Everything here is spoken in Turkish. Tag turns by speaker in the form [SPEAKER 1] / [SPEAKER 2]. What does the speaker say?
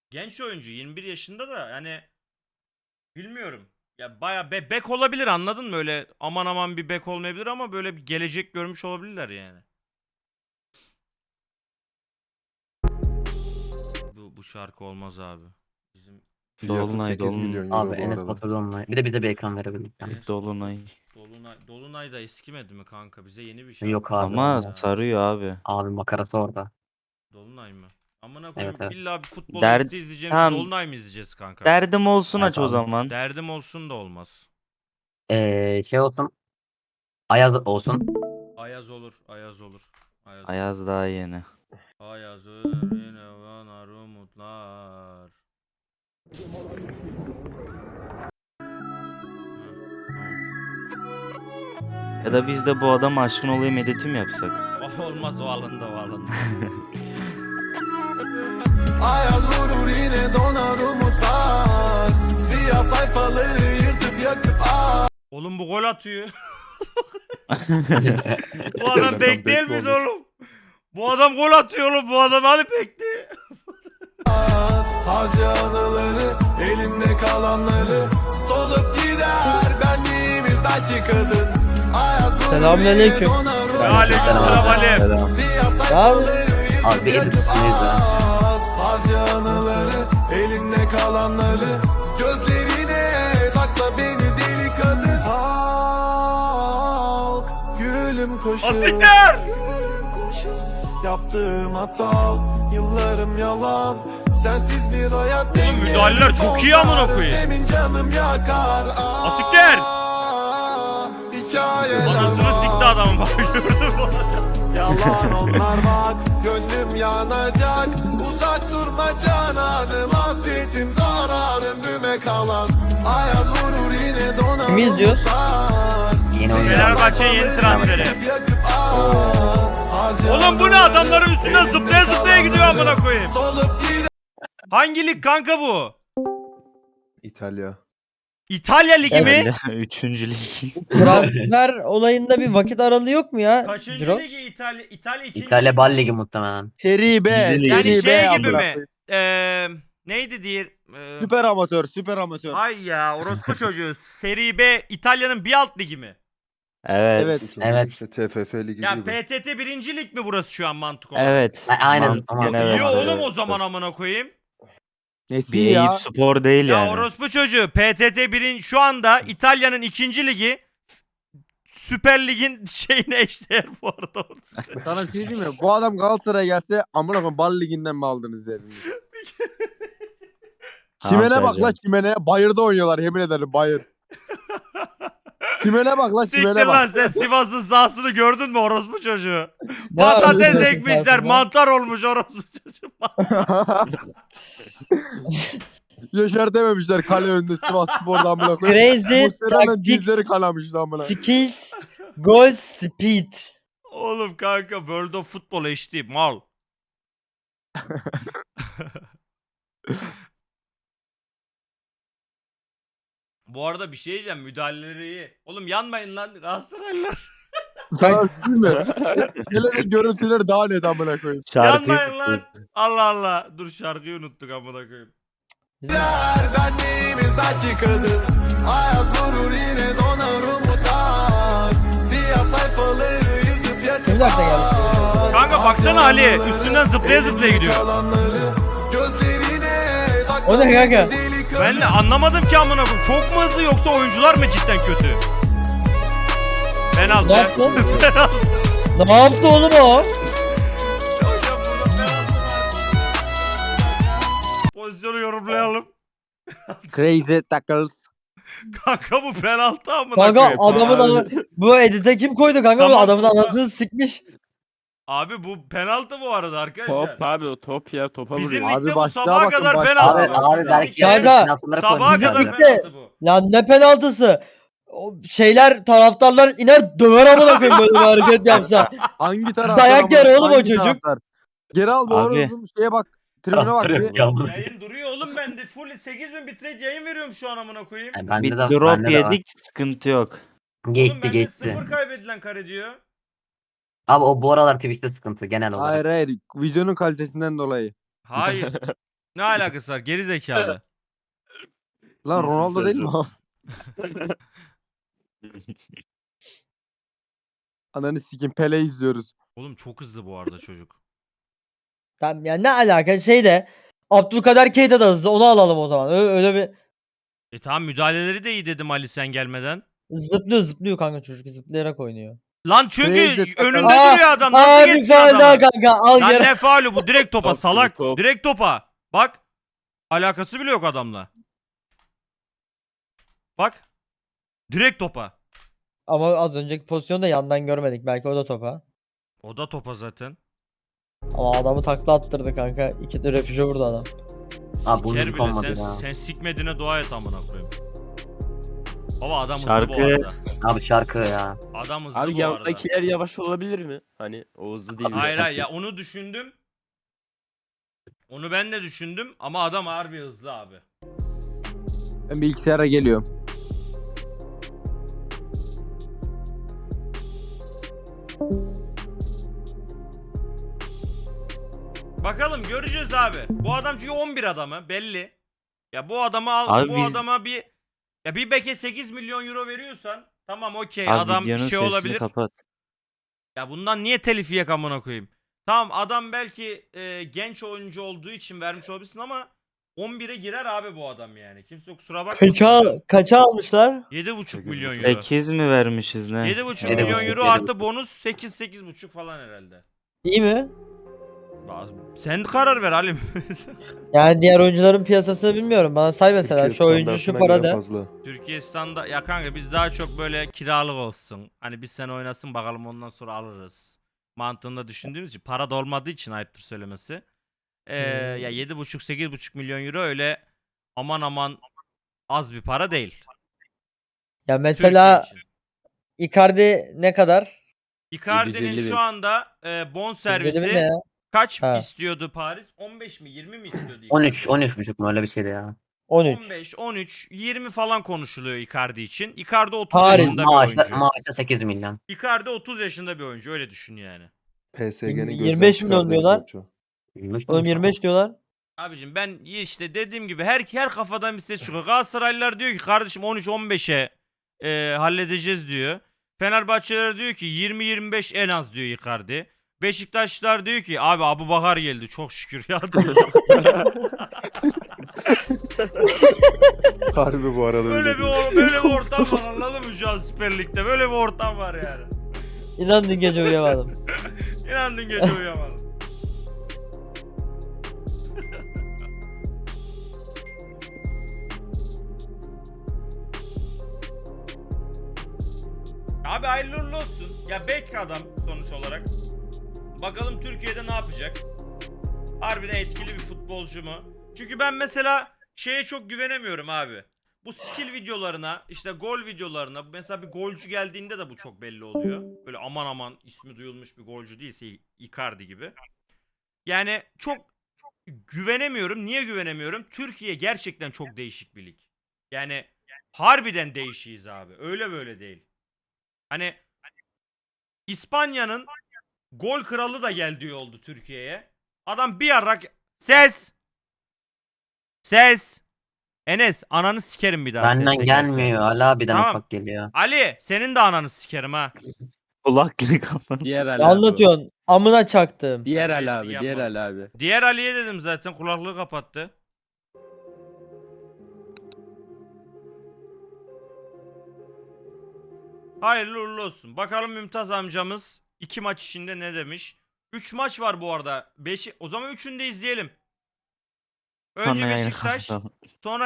[SPEAKER 1] Genç oyuncu 21 yaşında da yani bilmiyorum. Ya baya bek olabilir, anladın mı? Öyle aman aman bir bek olmayabilir ama böyle bir gelecek görmüş olabilirler yani. Bu şarkı olmaz abi. Bizim
[SPEAKER 2] Fiyatı
[SPEAKER 3] Dolunay
[SPEAKER 2] 8
[SPEAKER 3] Dolunay.
[SPEAKER 2] milyon
[SPEAKER 4] Abi
[SPEAKER 2] euro bu
[SPEAKER 4] Enes
[SPEAKER 2] arada.
[SPEAKER 4] Batur Dolunay. Bir de bize bir ekran verebildik yani.
[SPEAKER 1] Enes
[SPEAKER 3] Dolunay.
[SPEAKER 1] Dolunay da eskimedi mi kanka? Bize yeni bir şarkı
[SPEAKER 4] Yok abi.
[SPEAKER 3] Ama
[SPEAKER 1] ya.
[SPEAKER 3] sarıyor abi.
[SPEAKER 4] Abi makarası orada.
[SPEAKER 1] Dolunay mı? Amına
[SPEAKER 4] Evet
[SPEAKER 1] koyayım,
[SPEAKER 4] evet.
[SPEAKER 1] illa bir futbol
[SPEAKER 3] Dert
[SPEAKER 1] editi izleyeceğimiz
[SPEAKER 3] tamam,
[SPEAKER 1] Dolunay mı izleyeceğiz kanka?
[SPEAKER 3] derdim olsun
[SPEAKER 4] Evet
[SPEAKER 3] aç o
[SPEAKER 4] abi.
[SPEAKER 3] zaman.
[SPEAKER 1] Derdim olsun da olmaz.
[SPEAKER 4] Şey olsun. Ayaz olsun.
[SPEAKER 1] Ayaz olur, Ayaz olur. Ayaz olur.
[SPEAKER 3] Ayaz daha yeni.
[SPEAKER 1] Ayaz ölür yine bana umutlar.
[SPEAKER 3] Ya da biz de bu adam aşkın olayım editi mi yapsak?
[SPEAKER 1] Olmaz, o alında, o alında.
[SPEAKER 5] Ayaz vurur yine donar umutlar. Siyah sayfaları yırtıp yakıp
[SPEAKER 1] Oğlum bu gol atıyor. Bu adam bek değil miydi oğlum? Bu adam gol atıyor oğlum. Bu adam hani bekti?
[SPEAKER 5] harca anıları, elimde kalanları solup gider benliğimiz belki kadın. Ayaz vurur
[SPEAKER 6] Selamünaleyküm.
[SPEAKER 5] yine donar umutlar.
[SPEAKER 1] Aleykümselam Ali.
[SPEAKER 5] Siyah sayfaları
[SPEAKER 4] Abi bir
[SPEAKER 5] yırtıp
[SPEAKER 4] edit üstündeyiz ya.
[SPEAKER 5] at. Harca anıları, elimde kalanları gözlerine sakla beni deli kadın. Halk gülüm koşur.
[SPEAKER 1] Asikler!
[SPEAKER 5] Yaptığım hata, yıllarım yalan. Sensiz bir hayat
[SPEAKER 1] Oğlum müdahaleler çok iyi amına koyayım.
[SPEAKER 5] Benim canım yakar.
[SPEAKER 1] Asikler!
[SPEAKER 5] Hikayeler
[SPEAKER 1] Anasını
[SPEAKER 5] var.
[SPEAKER 1] sikti adamın, bak gördün mü?
[SPEAKER 5] Yalan onlar bak. Gönlüm yanacak. Uzak durma cananım. Hasretim zararım düme kalan. Ayaz vurur yine donar.
[SPEAKER 6] Kimi izliyoruz?
[SPEAKER 4] Yeni oyuncu.
[SPEAKER 1] Fenerbahçe yeni transferi. Oğlum bu ne, adamların üstünden zıplaya zıplaya gidiyor amına koyayım. Hangi lig kanka bu?
[SPEAKER 2] İtalya.
[SPEAKER 1] İtalya ligi mi?
[SPEAKER 3] Öyle, üçüncü lig.
[SPEAKER 6] Transfer olayında bir vakit aralığı yok mu ya?
[SPEAKER 1] Kaçıncı
[SPEAKER 6] Jirox?
[SPEAKER 1] ligi İtalya? İtalya ikinci
[SPEAKER 4] İtalya
[SPEAKER 1] ligi
[SPEAKER 4] Bal
[SPEAKER 1] mi?
[SPEAKER 4] Ligi muhtemelen.
[SPEAKER 7] Seri B.
[SPEAKER 3] İkinci lig.
[SPEAKER 1] Yani
[SPEAKER 7] Seri
[SPEAKER 1] şey
[SPEAKER 7] B
[SPEAKER 1] gibi
[SPEAKER 7] amına
[SPEAKER 1] mi?
[SPEAKER 7] koyayım.
[SPEAKER 1] Neydi diye?
[SPEAKER 7] Süper amatör, süper amatör.
[SPEAKER 1] Ay ya, orospu çocuğu. Seri B İtalya'nın bir alt ligi mi?
[SPEAKER 3] Evet.
[SPEAKER 7] Evet.
[SPEAKER 2] İkinci
[SPEAKER 4] Evet.
[SPEAKER 2] işte TFF ligi
[SPEAKER 1] Ya
[SPEAKER 2] gibi.
[SPEAKER 1] PTT birinci lig mi burası şu an mantık olarak?
[SPEAKER 3] Evet.
[SPEAKER 4] Aynen,
[SPEAKER 3] Mantıken
[SPEAKER 4] tamam.
[SPEAKER 3] evet.
[SPEAKER 1] İyi oğlum o
[SPEAKER 3] Evet.
[SPEAKER 1] zaman amına koyayım.
[SPEAKER 7] Nesi
[SPEAKER 3] Bir
[SPEAKER 7] ya?
[SPEAKER 3] Eyüp Spor değil
[SPEAKER 1] Ya
[SPEAKER 3] yani.
[SPEAKER 1] orospu çocuğu, PTT birin şu anda İtalya'nın ikinci ligi, Süper Lig'in şeyine eşdeğer bu arada.
[SPEAKER 7] Sana bir şey diyeyim mi? Bu adam Galatasaray'a gelse amına koyayım Bal Ligi'nden mi aldınız dediniz?
[SPEAKER 3] Tamam,
[SPEAKER 7] Çimene bak la
[SPEAKER 3] Sercan.
[SPEAKER 7] çimene. Bayırda oynuyorlar yemin ederim bayır. Çimene bak la
[SPEAKER 1] Siktir
[SPEAKER 7] çimene
[SPEAKER 1] lan
[SPEAKER 7] bak.
[SPEAKER 1] sen, Sivas'ın sahasını gördün mü orospu çocuğu?
[SPEAKER 6] Ne
[SPEAKER 1] Patates
[SPEAKER 6] yapıyorsun
[SPEAKER 1] ekmişler,
[SPEAKER 6] sahasında?
[SPEAKER 1] mantar olmuş orospu çocuğu.
[SPEAKER 7] Yaşar dememişler kale önünde Sivas Spor'da amına koyayım.
[SPEAKER 6] Crazy
[SPEAKER 7] Muslera'nın
[SPEAKER 6] tactics,
[SPEAKER 7] dizleri kanamış amına.
[SPEAKER 6] skills, goal speed.
[SPEAKER 1] Oğlum kanka World of Football HD mal. Bu arada bir şey diyeceğim, müdahaleleri iyi. Oğlum yanmayın lan Galatasaraylılar.
[SPEAKER 7] Sana bir şey diyeyim mi? Gelen görüntüleri daha net amına koyayım.
[SPEAKER 3] Şarkıyı
[SPEAKER 1] Yanmayın lan. Allah Allah. Dur, şarkıyı unuttuk amına koyayım.
[SPEAKER 5] benliğimiz belki kadın. Ayaz vurur yine donar umutlar. Siyah sayfaları yırtıp yakıp
[SPEAKER 6] Bir dakika geldi.
[SPEAKER 1] Kanka baksana Ali, üstünden zıplaya zıplaya gidiyor.
[SPEAKER 6] O ne kanka?
[SPEAKER 1] Ben de anlamadım ki amına koyayım. Çok mu hızlı yoksa oyuncular mı cidden kötü? Penaltı.
[SPEAKER 6] Ne yaptı?
[SPEAKER 1] Penaltı.
[SPEAKER 6] Ne yaptı oğlum o?
[SPEAKER 1] Hocam burada penaltı var. Pozisyonu yorumlayalım.
[SPEAKER 7] Crazy tackles.
[SPEAKER 1] Kanka bu penaltı amına
[SPEAKER 6] Kanka
[SPEAKER 1] koyayım.
[SPEAKER 6] adamın bu edite kim koydu kanka?
[SPEAKER 1] Tamam,
[SPEAKER 6] Bu adamın
[SPEAKER 1] tamam.
[SPEAKER 6] anasını sikmiş.
[SPEAKER 1] Abi bu penaltı bu arada arkadaşlar.
[SPEAKER 8] Top abi o top ya topa
[SPEAKER 1] Bizim
[SPEAKER 8] vuruyor.
[SPEAKER 1] ligde
[SPEAKER 7] Abi
[SPEAKER 1] bu
[SPEAKER 7] başlığa
[SPEAKER 1] sabaha
[SPEAKER 7] bakın,
[SPEAKER 1] kadar
[SPEAKER 7] başlığa.
[SPEAKER 1] penaltı.
[SPEAKER 4] Abi
[SPEAKER 1] Bizim
[SPEAKER 4] belki
[SPEAKER 1] ligde
[SPEAKER 6] Kanka,
[SPEAKER 4] penaltıları
[SPEAKER 1] sabaha
[SPEAKER 4] koymuş
[SPEAKER 1] kadar
[SPEAKER 6] Bizim
[SPEAKER 4] zaten.
[SPEAKER 6] ligde-
[SPEAKER 1] penaltı bu.
[SPEAKER 6] Lan ne penaltısı? O şeyler, taraftarlar iner döver amına koyayım böyle bir hareket yapsa.
[SPEAKER 7] Hangi taraftar?
[SPEAKER 6] Dayak
[SPEAKER 7] amına
[SPEAKER 6] yer
[SPEAKER 7] koyayım?
[SPEAKER 6] oğlum o
[SPEAKER 7] Hangi
[SPEAKER 6] çocuk.
[SPEAKER 7] taraftar? Geri al bu
[SPEAKER 3] Abi.
[SPEAKER 7] horozun şeye bak. Tribüne bak bir.
[SPEAKER 1] Yayın duruyor oğlum bende. Full 8000 bitrate yayın veriyorum şu an amına koyayım.
[SPEAKER 4] Bende
[SPEAKER 3] Bir
[SPEAKER 4] de,
[SPEAKER 3] drop
[SPEAKER 4] bende de var.
[SPEAKER 3] yedik, sıkıntı yok.
[SPEAKER 1] Oğlum
[SPEAKER 4] Geçti
[SPEAKER 1] bende
[SPEAKER 4] geçti.
[SPEAKER 1] 0 kaybedilen kare diyor.
[SPEAKER 4] Abi o bu aralar Twitch'te sıkıntı genel olarak.
[SPEAKER 7] Hayır hayır. Videonun kalitesinden dolayı.
[SPEAKER 1] Hayır. Ne alakası var? Geri zekalı.
[SPEAKER 7] Lan
[SPEAKER 8] İyisin
[SPEAKER 7] Ronaldo değil mi
[SPEAKER 8] Sercan.
[SPEAKER 7] o? Ananı sikim Pele izliyoruz.
[SPEAKER 1] Oğlum çok hızlı bu arada çocuk.
[SPEAKER 6] Tamam yani ne alaka şey de Abdülkader Keita da hızlı onu alalım o zaman. Öyle bir
[SPEAKER 1] Tamam müdahaleleri de iyi dedim Ali sen gelmeden.
[SPEAKER 6] zıplıyor kanka çocuk zıplayarak oynuyor.
[SPEAKER 1] Lan çünkü
[SPEAKER 7] Teyze,
[SPEAKER 1] önünde
[SPEAKER 6] Aa,
[SPEAKER 1] duruyor adam. Nasıl
[SPEAKER 6] Aa bir
[SPEAKER 1] geçsin
[SPEAKER 6] faul daha
[SPEAKER 1] adamı?
[SPEAKER 6] kanka al
[SPEAKER 1] Lan
[SPEAKER 6] geri.
[SPEAKER 1] ne faulü bu? Direkt topa
[SPEAKER 8] Top,
[SPEAKER 1] salak.
[SPEAKER 8] top.
[SPEAKER 1] Direkt topa. Bak. Alakası bile yok adamla. Bak. Direkt topa.
[SPEAKER 6] Ama az önceki pozisyonu da yandan görmedik belki o da topa.
[SPEAKER 1] O da topa zaten.
[SPEAKER 6] Ama adamı takla attırdı kanka. İki de refüje vurdu adam.
[SPEAKER 4] Abi bu
[SPEAKER 1] Ker
[SPEAKER 4] müzik
[SPEAKER 1] bile
[SPEAKER 4] olmadı
[SPEAKER 1] sen,
[SPEAKER 4] ya.
[SPEAKER 1] sen sikmediğine dua et amına koyayım. Baba adam hızlı
[SPEAKER 3] Şarkı-
[SPEAKER 1] bu arada.
[SPEAKER 4] Abi şarkı ya.
[SPEAKER 1] Adam hızlı
[SPEAKER 8] Abi
[SPEAKER 1] bu arada.
[SPEAKER 8] yandakiler yavaş olabilir mi? Hani o hızlı değil.
[SPEAKER 1] Hayır hayır ya onu düşündüm. Onu ben de düşündüm ama adam harbi hızlı abi.
[SPEAKER 7] Ben bilgisayara geliyorum.
[SPEAKER 1] Bakalım göreceğiz abi. Bu adam çünkü 11 adamı belli. Ya bu adamı al,
[SPEAKER 3] Abi
[SPEAKER 1] bu
[SPEAKER 3] biz-
[SPEAKER 1] adama bir beke 8 milyon euro veriyorsan tamam okey
[SPEAKER 3] Abi
[SPEAKER 1] adam
[SPEAKER 3] videonun
[SPEAKER 1] şey
[SPEAKER 3] sesini
[SPEAKER 1] olabilir.
[SPEAKER 3] kapat.
[SPEAKER 1] Ya bundan niye telif yiyek amına koyayım? Tamam adam belki genç oyuncu olduğu için vermiş olabilirsin ama 11'e girer abi bu adam yani. Kimse kusura bakmasın.
[SPEAKER 6] Kaça almışlar?
[SPEAKER 1] 7,5
[SPEAKER 2] 8,5
[SPEAKER 1] milyon euro.
[SPEAKER 3] 8 mi vermişiz ne?
[SPEAKER 1] 7,5
[SPEAKER 4] Yedi
[SPEAKER 1] milyon
[SPEAKER 4] buçuk,
[SPEAKER 1] euro
[SPEAKER 4] yedi
[SPEAKER 1] artı
[SPEAKER 4] buçuk.
[SPEAKER 1] bonus 8-8,5 falan herhalde.
[SPEAKER 6] İyi mi?
[SPEAKER 1] Sen karar ver Halim.
[SPEAKER 6] Yani diğer oyuncuların piyasasını bilmiyorum. Bana say mesela
[SPEAKER 2] Türkiye
[SPEAKER 6] şu oyuncu şu
[SPEAKER 2] standartına
[SPEAKER 6] para
[SPEAKER 2] göre
[SPEAKER 6] de.
[SPEAKER 2] fazla.
[SPEAKER 1] Türkiye standa ya kanka biz daha çok böyle kiralık olsun. Hani bir sene oynasın bakalım ondan sonra alırız. Mantığında düşündüğümüz için para da olmadığı için ayıptır söylemesi. Ya 7,5-8,5 milyon euro öyle aman aman az bir para değil.
[SPEAKER 6] Ya mesela
[SPEAKER 1] Türkiye için.
[SPEAKER 6] Icardi ne kadar?
[SPEAKER 1] Icardi'nin
[SPEAKER 8] 750 bin.
[SPEAKER 1] şu anda bon servisi
[SPEAKER 6] Ne ya?
[SPEAKER 1] kaç
[SPEAKER 6] Ha.
[SPEAKER 1] istiyordu Paris? 15 mi 20 mi istiyordu?
[SPEAKER 4] 13,
[SPEAKER 1] Icardi?
[SPEAKER 4] 13,5 mu öyle bir şeydi ya.
[SPEAKER 6] 13.
[SPEAKER 1] 15, 13, 20 falan konuşuluyor Icardi için. Icardi 30
[SPEAKER 6] Paris.
[SPEAKER 1] yaşında bir
[SPEAKER 4] Maaşta,
[SPEAKER 1] oyuncu.
[SPEAKER 4] maaşta 8 milyon.
[SPEAKER 1] Icardi 30 yaşında bir oyuncu öyle düşün yani.
[SPEAKER 2] PSG'nin
[SPEAKER 6] 25 milyon diyorlar. Oğlum 25 diyorlar.
[SPEAKER 1] Abicim ben işte dediğim gibi her kafadan bir ses çıkıyor. Galatasaraylılar diyor ki kardeşim 13-15'e halledeceğiz diyor. Fenerbahçeliler diyor ki 20-25 en az diyor Icardi. Beşiktaşlılar diyor ki abi Abubakar geldi çok şükür ya diyor.
[SPEAKER 2] Harbi bu arada
[SPEAKER 1] böyle
[SPEAKER 2] öyle.
[SPEAKER 1] böyle bir ortam var anladın mı şu an Süper Lig'de böyle bir ortam var yani.
[SPEAKER 6] İnan dün gece uyuyamadım.
[SPEAKER 1] İnandın gece uyuyamadım. Abi hayırlı uğurlu olsun. Ya bek adam sonuç olarak. Bakalım Türkiye'de ne yapacak? Harbiden etkili bir futbolcu mu? Çünkü ben mesela şeye çok güvenemiyorum abi. Bu skill videolarına, işte gol videolarına, mesela bir golcü geldiğinde de bu çok belli oluyor. Böyle aman aman ismi duyulmuş bir golcü değilse Icardi gibi. Yani çok güvenemiyorum. Niye güvenemiyorum? Türkiye gerçekten çok değişik bir lig. Yani harbiden değişiyiz abi. Öyle böyle değil. Hani İspanya'nın gol kralı da geldiği oldu Türkiye'ye. Adam bir ara ses Enes ananı sikerim bir daha
[SPEAKER 4] Benden
[SPEAKER 1] sesle
[SPEAKER 4] gelmiyor. Ali abiden
[SPEAKER 1] Tamam.
[SPEAKER 4] ufak geliyor.
[SPEAKER 1] Ali senin de ananı sikerim ha.
[SPEAKER 3] Kulaklığı kapat.
[SPEAKER 8] Diğer Ali
[SPEAKER 6] Ne
[SPEAKER 8] abi.
[SPEAKER 6] anlatıyorsun? Amına çaktım.
[SPEAKER 8] Diğer Ali
[SPEAKER 1] Terbiyesizlik
[SPEAKER 8] abi. Diğer
[SPEAKER 1] yapma.
[SPEAKER 8] Ali abi.
[SPEAKER 1] Diğer Ali'ye dedim zaten kulaklığı kapattı. Hayırlı uğurlu olsun. Bakalım Mümtaz amcamız 2 maç içinde ne demiş? 3 maç var bu arada. O zaman 3'ünü de izleyelim. Önce
[SPEAKER 3] Sonra yayını
[SPEAKER 1] Beşiktaş,
[SPEAKER 3] kapatalım.
[SPEAKER 1] sonra